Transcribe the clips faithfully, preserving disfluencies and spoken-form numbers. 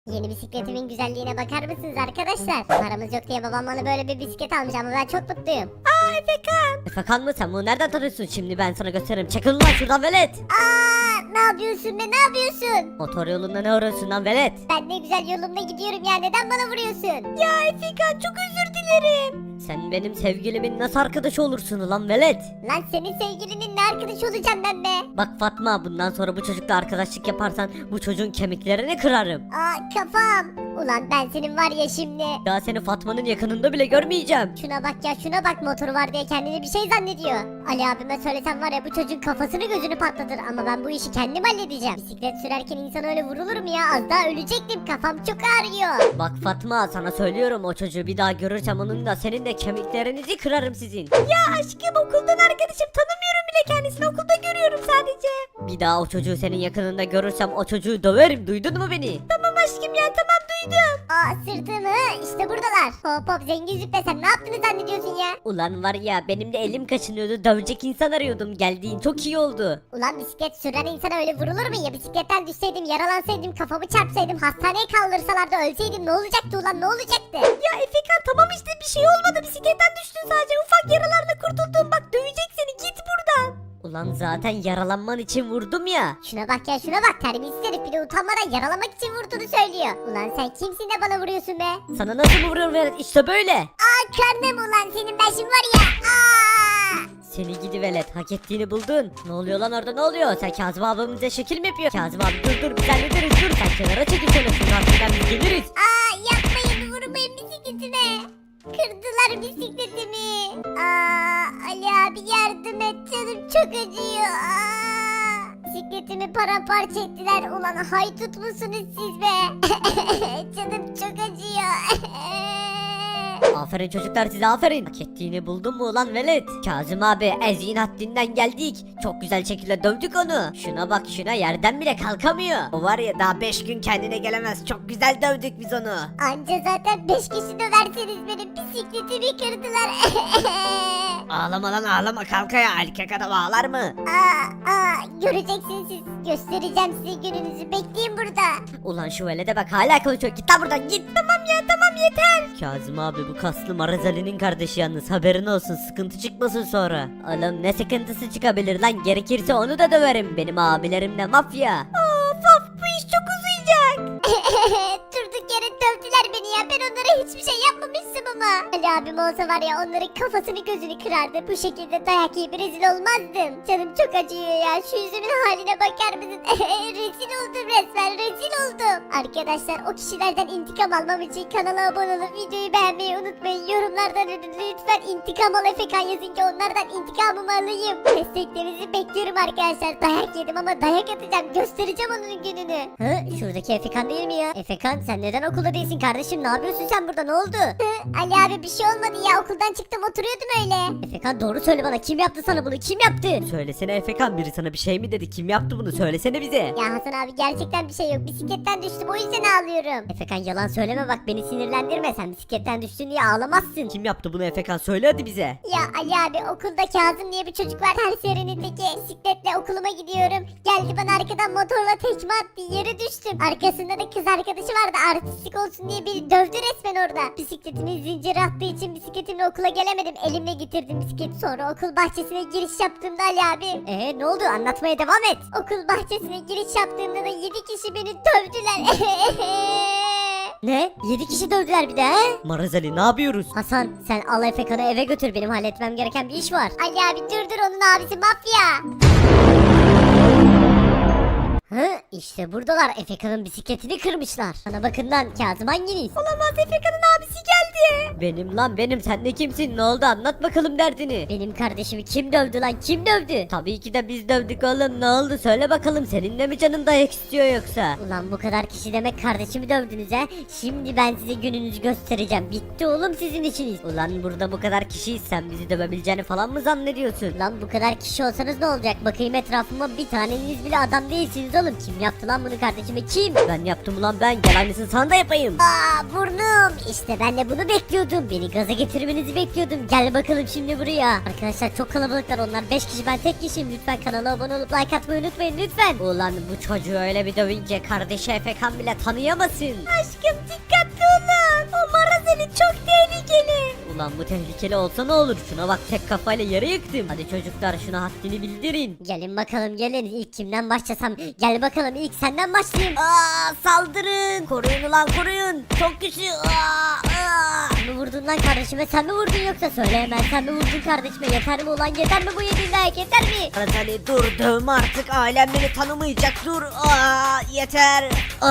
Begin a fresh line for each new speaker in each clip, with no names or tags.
Yeni bisikletimin güzelliğine bakar mısınız arkadaşlar? Paramız yok diye babam bana böyle bir bisiklet almış ama ben çok mutluyum.
Aa Efekan. Efekan mı sen bunu nereden tanıyorsun? Şimdi ben sana gösteririm. Çakıl lan şuradan velet.
Aa, ne yapıyorsun be, ne yapıyorsun?
Motor yolunda ne arıyorsun lan velet?
Ben ne güzel yolumda gidiyorum ya, neden bana vuruyorsun?
Ya Efekan çok özür dilerim. Sen benim sevgilimin nasıl arkadaşı olursun lan velet?
Lan senin sevgilinin ne arkadaş olacağım ben be?
Bak Fatma, bundan sonra bu çocukla arkadaşlık yaparsan bu çocuğun kemiklerini kırarım.
Aa, kafam. Ulan ben senin var ya şimdi.
Daha seni Fatma'nın yakınında bile görmeyeceğim.
Şuna bak ya, şuna bak, motoru var diye kendini bir şey zannediyor. Ali abime söylesem var ya, bu çocuğun kafasını gözünü patlatır ama ben bu işi kendim halledeceğim. Bisiklet sürerken insan öyle vurulur mu ya? Az daha ölecektim, kafam çok ağrıyor.
Bak Fatma, sana söylüyorum, o çocuğu bir daha görürsem onun da senin de kemiklerinizi kırarım sizin. Ya aşkım, okuldan arkadaşım, tanımıyorum bile kendisini, okulda görüyorum sadece. Bir daha o çocuğu senin yakınında görürsem o çocuğu döverim, duydun mu beni? Tamam aşkım ya, tamam duydum.
Aa, sırtımı işte buradalar. Hop hop zengin züppe, sen ne yaptığını zannediyorsun ya?
Ulan var ya, benim de elim kaçınıyordu, dövecek insan arıyordum, geldiğin çok iyi oldu.
Ulan bisiklet süren insana öyle vurulur mu ya? Bisikletten düşseydim, yaralansaydım, kafamı çarpsaydım, hastaneye kaldırsalardı, ölseydim ne olacaktı ulan, ne olacaktı?
Ya Efekan tamam işte, bir şey olmadı, bisikletten düştün sadece, ufak yaralarla kurtuldun, bak dövecek seni, git buradan. Ulan zaten yaralanman için vurdum ya.
Şuna bak ya, şuna bak, terbiyesiz herif, bir de utanmadan yaralamak için vurduğunu söylüyor. Ulan sen kimsin de bana vuruyorsun be?
Sana nasıl mı vuruyorum velet, işte böyle.
Aa, karnım ulan senin, ben şimdi var ya. Aa!
Seni gidi velet, hak ettiğini buldun. Ne oluyor lan orada, ne oluyor? Sen Kazım abimize şekil mi yapıyor? Kazım abi dur dur, biz hallederiz, dur. Sen kenara çekil şöyle, şunun altından biz geliriz.
Aa, yapmayın, vurmayın bisikletime. Kırdılar bisikletimi. Aa, Ali abi yardım et, canım çok acıyor. Aa, bisikletimi paramparça ettiler. Ulan haydut musunuz siz be? Canım çok acıyor.
Aferin çocuklar size, aferin. Hak ettiğini buldun mu ulan velet? Kazım abi, eziğin haddinden geldik. Çok güzel şekilde dövdük onu. Şuna bak şuna, yerden bile kalkamıyor. O var ya, daha beş gün kendine gelemez. Çok güzel dövdük biz onu.
Anca zaten beş kişi döverseniz benim bisikletimi kırdılar.
Ağlama lan ağlama, kalk ya, erkek adam ağlar mı?
Aa, aa, göreceksiniz siz. Göstereceğim size gününüzü, bekleyin burada.
Ulan şu velede bak, hala konuşuyor, git lan buradan git. Tamam ya, tamam yeter. Kazım abi bu kaslı Marazali'nin kardeşi yalnız, haberin olsun, sıkıntı çıkmasın sonra. Oğlum ne sıkıntısı çıkabilir lan, gerekirse onu da döverim, benim abilerim de mafya. Of of, bu iş çok uzayacak.
Durduk yere dövdüler beni ya, ben onlara hiçbir şey yapmamıştım ama. Ali abim olsa var ya, onların kafasını gözünü kırardı. Bu şekilde dayak yiyip rezil olmazdım. Canım çok acıyor ya, şu yüzümün haline bakar mısın? Rezil oldum resmen, rezil oldum. Arkadaşlar, o kişilerden intikam almam için kanala abone olup videoyu beğenmeyi unutmayın. Yorumlardan lütfen intikam al Efekan yazın ki onlardan intikamımı alayım. Desteklerinizi bekliyorum arkadaşlar. Dayak yedim ama dayak atacağım, göstereceğim onun gününü. Hı, şuradaki Efekan değil mi ya? Efekan, sen neden okulda değilsin kardeşim, ne yapıyorsun sen burada, ne oldu? Hı, Ali abi bir şey olmadı ya, okuldan çıktım oturuyordum öyle. Efekan doğru söyle bana, kim yaptı sana bunu, kim yaptı?
Söylesene Efekan, biri sana bir şey mi dedi, kim yaptı bunu, söylesene bize.
Ya Hasan abi, gerçekten bir şey yok, bisikletten düştüm, o yüzden ağlıyorum. Efekan yalan söyleme bak, beni sinirlendirme, sen bisikletten düştün diye ağlamazsın.
Kim yaptı bunu Efekan, söyle hadi bize.
Ya Ali abi, okulda Kazım diye bir çocuk var, her serenindeki bisikletle okuluma gidiyorum. Geldi bana arkadan motorla tekme attı, yere düştüm. Arkasında da kız arkadaşı vardı, artistik olsun diye beni dövdü resmen orada. Bisikletimin zinciri attığı için bisikletimle okula gelemedim, elimle getirdim bisikleti. Sonra okul bahçesine giriş yaptığımda Ali abi. Eee ne oldu, anlatmaya devam et. Okul bahçesine giriş yaptığımda da yedi kişi beni dövdüler. Ne? Yedi kişi dövdüler bir de he?
Marazali, ne yapıyoruz?
Hasan, sen al Efekan'ı eve götür, benim halletmem gereken bir iş var. Ali abi durdur, onun abisi mafya. Hı, işte buradalar, Efekan'ın bisikletini kırmışlar. Bana bakın lan, Kazım hanginiz?
Olamaz, Efekan'ın abisi geldi. Benim lan benim, sen de kimsin, ne oldu, anlat bakalım derdini.
Benim kardeşimi kim dövdü lan, kim dövdü?
Tabii ki de biz dövdük oğlum, ne oldu söyle bakalım, seninle mi canın dayak istiyor yoksa?
Ulan bu kadar kişi demek kardeşimi dövdünüz he. Şimdi ben size gününüzü göstereceğim. Bitti oğlum sizin işiniz.
Ulan burada bu kadar kişiyiz, sen bizi dövebileceğini falan mı zannediyorsun?
Lan bu kadar kişi olsanız ne olacak? Bakayım etrafıma, bir taneniz bile adam değilsiniz oğlum. Kim yaptı lan bunu kardeşime, kim?
Ben yaptım ulan ben, gel aynısını sana da yapayım.
Aa, burnum. İşte ben de bunu bekliyordum. Beni gaza getirmenizi bekliyordum. Gel bakalım şimdi buraya. Arkadaşlar çok kalabalıklar onlar. beş kişi ben tek kişiyim. Lütfen kanala abone olup like atmayı unutmayın lütfen.
Ulan bu çocuğu öyle bir dövünce kardeşi Efekan bile tanıyamasın.
Aşkım dikkatli olun. O Marazeli çok tehlikeli.
Ulan bu tehlikeli olsa ne olur? Şuna bak tek kafayla yere yıktım. Hadi çocuklar şuna haddini bildirin.
Gelin bakalım gelin. İlk kimden başlasam? Gel bakalım ilk senden başlayayım.
Aa, saldırın. Koruyun ulan koruyun. Çok güçlü. Aa, aa.
Sen mi vurdun lan kardeşime? Sen mi vurdun yoksa söyle hemen. Sen mi vurdun kardeşime? Yeter mi ulan? Yeter mi bu yediğin dayak? Yeter mi?
Razali dur dövme artık ailem beni tanımayacak dur. Aa, yeter.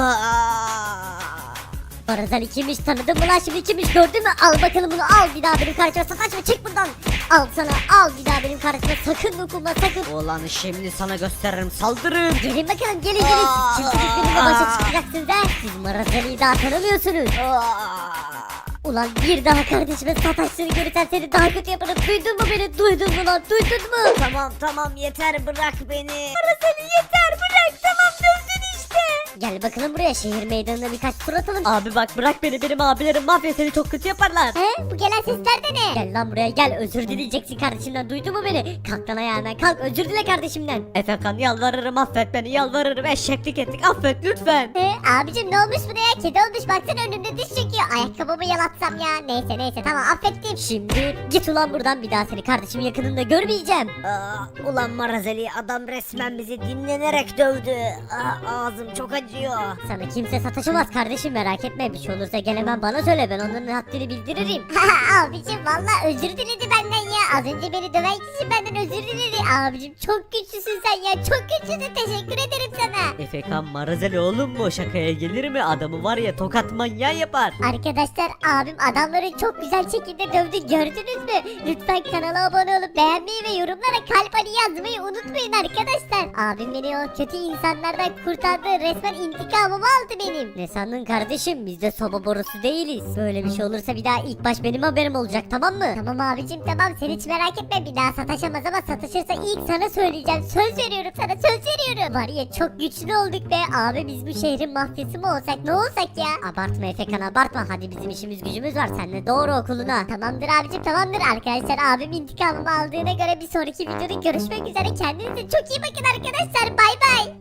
Aa.
Barazan kimmiş tanıdın mı lan şimdi kimmiş gördün mü? Al bakalım bunu al bir daha benim karşıma sataşma çık buradan. Al sana al bir daha benim karşıma sakın dokunma sakın.
Ulan şimdi sana gösteririm saldırın.
Gelin bakalım gelin gelin. Siz kimsiniz benimle başa çıkacaksınız ha? Siz Marazan'ı daha tanımıyorsunuz.
Aa.
Ulan bir daha kardeşime sataştığını görürsen seni daha kötü yaparım. Duydun mu beni? Duydun mu lan? Duydun mu?
Tamam tamam yeter bırak beni.
Marazan'ı yeter bırak tamam dövdün işte. Gel bakalım buraya şehir meydanına birkaç tur atalım.
Abi bak bırak beni benim abilerim mafya seni çok kötü yaparlar.
He? Bu gelen sesler de ne? Gel lan buraya gel özür dileyeceksin kardeşimden duydun mu beni? Kalk lan ayağından kalk özür dile kardeşimden.
Efekan yalvarırım affet beni yalvarırım eşeklik ettik affet lütfen.
He, abicim ne olmuş buna ya? Kedi olmuş baksana önümde diş çekiyor. Ayakkabımı yalatsam ya. Neyse neyse tamam affettim. Şimdi git ulan buradan bir daha seni kardeşimin yakınında görmeyeceğim.
Aa, ulan Marazeli adam resmen bizi dinlenerek dövdü. Aa, ağzım çok acıyor.
Sana kimse sataşamaz kardeşim merak etme. Bir şey olursa gel hemen bana söyle ben onların haddini bildiririm. abicim valla özür diledi benden ya. Az önce beni döven kişi benden özür diledi. Abicim çok güçlüsün sen ya. Çok güçlüsün teşekkür ederim sana.
Efekan Marazeli oğlum mu şakaya gelir mi adamı var ya tokat manyağı yapar.
Arkadaşlar abim adamları çok güzel şekilde dövdü gördünüz mü? Lütfen kanala abone olup beğenmeyi ve yorumlara kalp hani yazmayı unutmayın arkadaşlar. Abim beni o kötü insanlardan kurtardı resmen intikamımı aldı benim. Ne sandın kardeşim biz de soba borusu değiliz. Böyle bir şey olursa bir daha ilk baş benim haberim olacak tamam mı? Tamam abicim tamam sen hiç merak etme bir daha sataşamaz ama satışırsa ilk sana söyleyeceğim. Söz veriyorum sana söz veriyorum. Var ya çok güçlü olduk be abi biz bu şehrin mafyası mı olsak ne olsak ya? Abartma Efekan abartma hadi bizim işimiz gücümüz var seninle doğru okuluna. Tamamdır abicim tamamdır arkadaşlar abim intikamımı aldığına göre bir sonraki videoda görüşmek üzere kendinize çok iyi bakın arkadaşlar bay bay.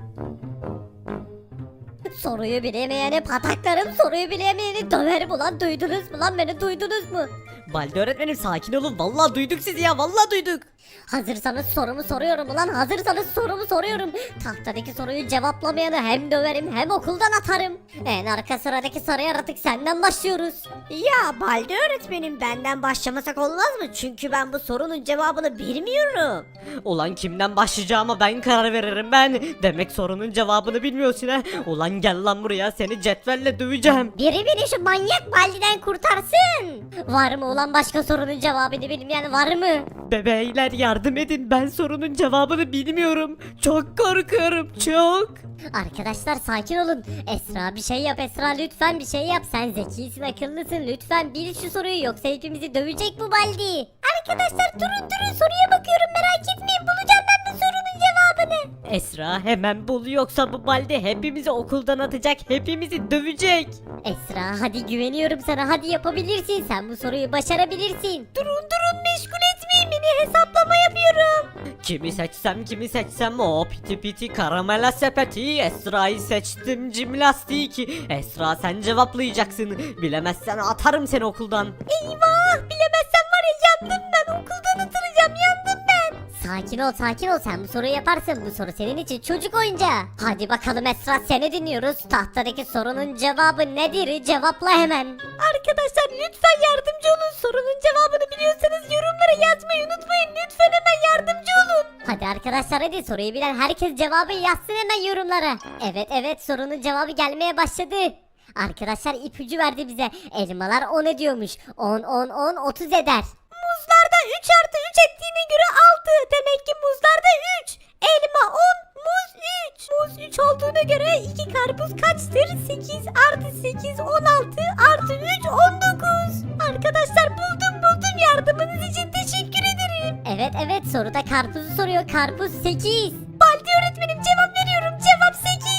Soruyu bilemeyeni pataklarım soruyu bilemeyeni döverim ulan duydunuz mu lan beni duydunuz mu?
Balde öğretmenim sakin olun vallahi duyduk sizi ya vallahi duyduk.
Hazırsanız sorumu soruyorum ulan hazırsanız sorumu soruyorum. Tahtadaki soruyu cevaplamayanı hem döverim hem okuldan atarım. En arka sıradaki sarı yaratık senden başlıyoruz.
Ya Balde öğretmenim benden başlamasak olmaz mı? Çünkü ben bu sorunun cevabını bilmiyorum. Ulan kimden başlayacağıma ben karar veririm ben. Demek sorunun cevabını bilmiyorsun ha. Ulan gel lan buraya seni cetvelle döveceğim.
Biri beni şu manyak Baldi'den kurtarsın. Var mı ulan başka sorunun cevabını bilmeyen var mı?
Bebeyler yardım edin ben sorunun cevabını bilmiyorum. Çok korkuyorum çok.
Arkadaşlar sakin olun. Esra bir şey yap Esra lütfen bir şey yap. Sen zekisin akıllısın lütfen bil şu soruyu yoksa hepimizi dövecek bu Baldi. Arkadaşlar durun durun soruya bakıyorum merak etmeyin bulacağım ben bu sorunun cevabını.
Esra hemen bul yoksa bu Balde hepimizi okuldan atacak hepimizi dövecek.
Esra hadi güveniyorum sana hadi yapabilirsin sen bu soruyu başarabilirsin. Durun durun meşgul etmeyin beni hesaplama yapıyorum.
Kimi seçsem kimi seçsem o piti piti karamela sepeti Esra'yı seçtim cimnastik. Esra sen cevaplayacaksın bilemezsen atarım seni okuldan.
Eyvah bilemezsem var ya yandım ben okuldan atılacağım yandım ben. Sakin ol sakin ol sen bu soruyu yaparsın bu soru senin için çocuk oyuncağı. Hadi bakalım Esra seni dinliyoruz tahtadaki sorunun cevabı nedir cevapla hemen. Arkadaşlar lütfen yardımcı olun sorunun cevabını biliyorsanız yorumlara yazmayı unutmayın lütfen hemen yardımcı olun. Hadi arkadaşlar hadi soruyu bilen herkes cevabı yazsın hemen yorumlara. Evet evet sorunun cevabı gelmeye başladı. Arkadaşlar ipucu verdi bize. Elmalar on ediyormuş. on on on otuz eder. Muzlarda üç artı üç ettiğine göre altı. Demek ki muzlarda üç. Elma on, muz üç. Muz üç olduğuna göre iki karpuz kaçtır? sekiz artı sekiz on altı artı üç on dokuz. Arkadaşlar buldum buldum yardımınız için teşekkür ederim. Evet evet soruda karpuzu soruyor. Karpuz sekiz. Baldi öğretmenim cevap veriyorum. Cevap sekiz.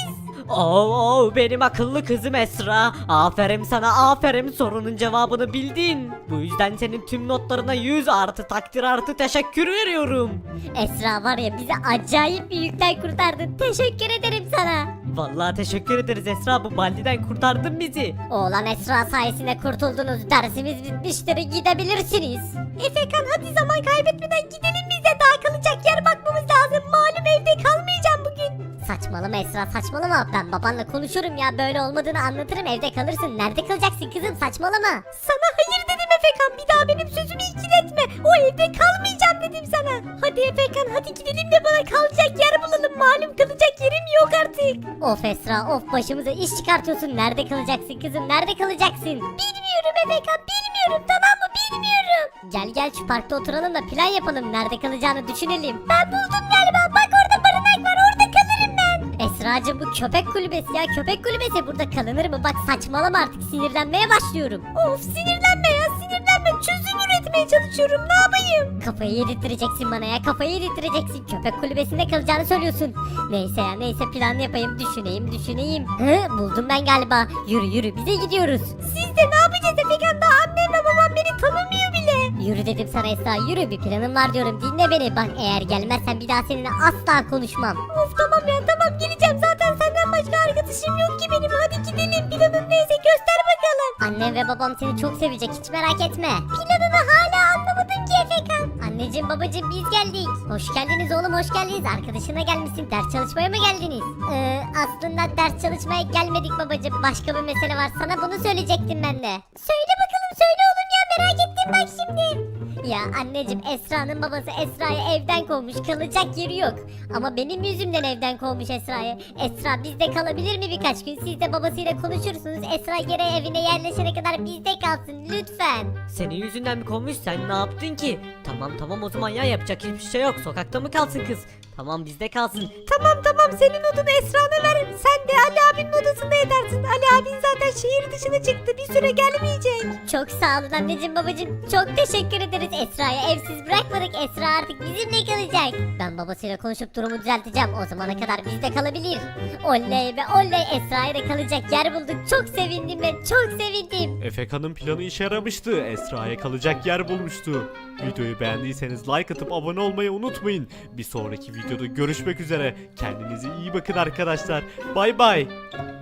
Oo, oo, benim akıllı kızım Esra. Aferin sana, aferin, sorunun cevabını bildin. Bu yüzden senin tüm notlarına yüz artı takdir artı teşekkür veriyorum.
Esra var ya bizi acayip bir yükten kurtardın. Teşekkür ederim sana.
Vallahi teşekkür ederiz Esra, bu baldiden kurtardın bizi.
Oğlan Esra sayesinde kurtuldunuz. Dersimiz bitmiştir. Gidebilirsiniz. Efekan hadi zaman kaybetmeden gidelim biz de. Daha kalacak yer bakmamız lazım. Malum evde kalmayacağım bugün. Saçmalama Esra saçmalama. Ben babanla konuşurum ya. Böyle olmadığını anlatırım. Evde kalırsın. Nerede kalacaksın kızım saçmalama. Sana hayır dedim Efekan. Bir daha benim sözümü ikiletme. O evde kalmayacağım dedim sana. Hadi Efekan hadi gidelim de bana kalacak yer bulalım. Malum kalacak yerim yok artık. Of Esra of başımıza iş çıkartıyorsun. Nerede kalacaksın kızım? Nerede kalacaksın? Bilmiyorum Efekan bilmiyorum tamam mı? Bilmiyorum. Gel gel şu parkta oturalım da plan yapalım. Nerede kalacağını düşünelim. Ben buldum galiba. Bak orada barınak var. Orada kalırım ben. Esracığım bu köpek kulübesi ya. Köpek kulübesi burada kalınır mı? Bak saçmalama artık sinirlenmeye başlıyorum. Of sinirlenme ya sinirlenme. Çözüm üretmeye çalışıyorum. Ne yapayım? Kafayı yedirteceksin bana ya. Kafayı yedirteceksin. Köpek kulübesinde kalacağını söylüyorsun. Neyse ya neyse plan yapayım. Düşüneyim düşüneyim. Hı buldum ben galiba. Yürü yürü bize gidiyoruz. Siz de ne yapacağız Efekan? Daha annem ve babam beni tanımıyor bile. Yürü dedim sana Esra yürü. Bir planım var diyorum. Dinle beni. Bak eğer gelmezsen bir daha seninle asla konuşmam. Of tamam ya tamam geleceğim. Zaten senden başka arkadaşım yok ki benim. Hadi gidelim. Planın neyse göster bakalım. Annem ve babam seni çok sevecek. Hiç merak etme. Planını hala anlamadın ki Efekan. Anneciğim babacığım biz geldik. Hoş geldiniz oğlum hoş geldiniz. Arkadaşına gelmişsin. Ders çalışmaya mı geldiniz? Ee, aslında ders çalışmaya gelmedik babacığım. Başka bir mesele var. Sana bunu söyleyecektim ben de. Söyle bakalım söyle oğlum ya merak ettim bak şimdi. Ya anneciğim Esra'nın babası Esra'yı evden kovmuş. Kalacak yeri yok. Ama benim yüzümden evden kovmuş Esra'yı. Esra bizde kalabilir mi birkaç gün? Siz de babasıyla konuşursunuz. Esra geri evine yerleşene kadar bizde kalsın lütfen.
Senin yüzünden mi kovmuş, sen ne yaptın ki? Tamam tamam o zaman ya, yapacak hiçbir şey yok, sokakta mı kalsın kız? Tamam bizde kalsın.
Tamam tamam senin odunu Esra'na ver. Sen de Ali abinin odasında edersin. Ali abin zaten şehir dışına çıktı. Bir süre gelmeyecek.
Çok sağ olun anneciğim babacığım. Çok teşekkür ederiz. Esra'yı evsiz bırakmadık. Esra artık bizimle kalacak. Ben babasıyla konuşup durumu düzelteceğim. O zamana kadar bizde kalabilir. Oley be oley Esra'ya da kalacak yer bulduk. Çok sevindim ben çok sevindim.
Efeka'nın planı işe yaramıştı. Esra'ya kalacak yer bulmuştu. Videoyu beğendiyseniz like atıp abone olmayı unutmayın. Bir sonraki videoda görüşmek üzere. Kendinize iyi bakın arkadaşlar. Bay bay.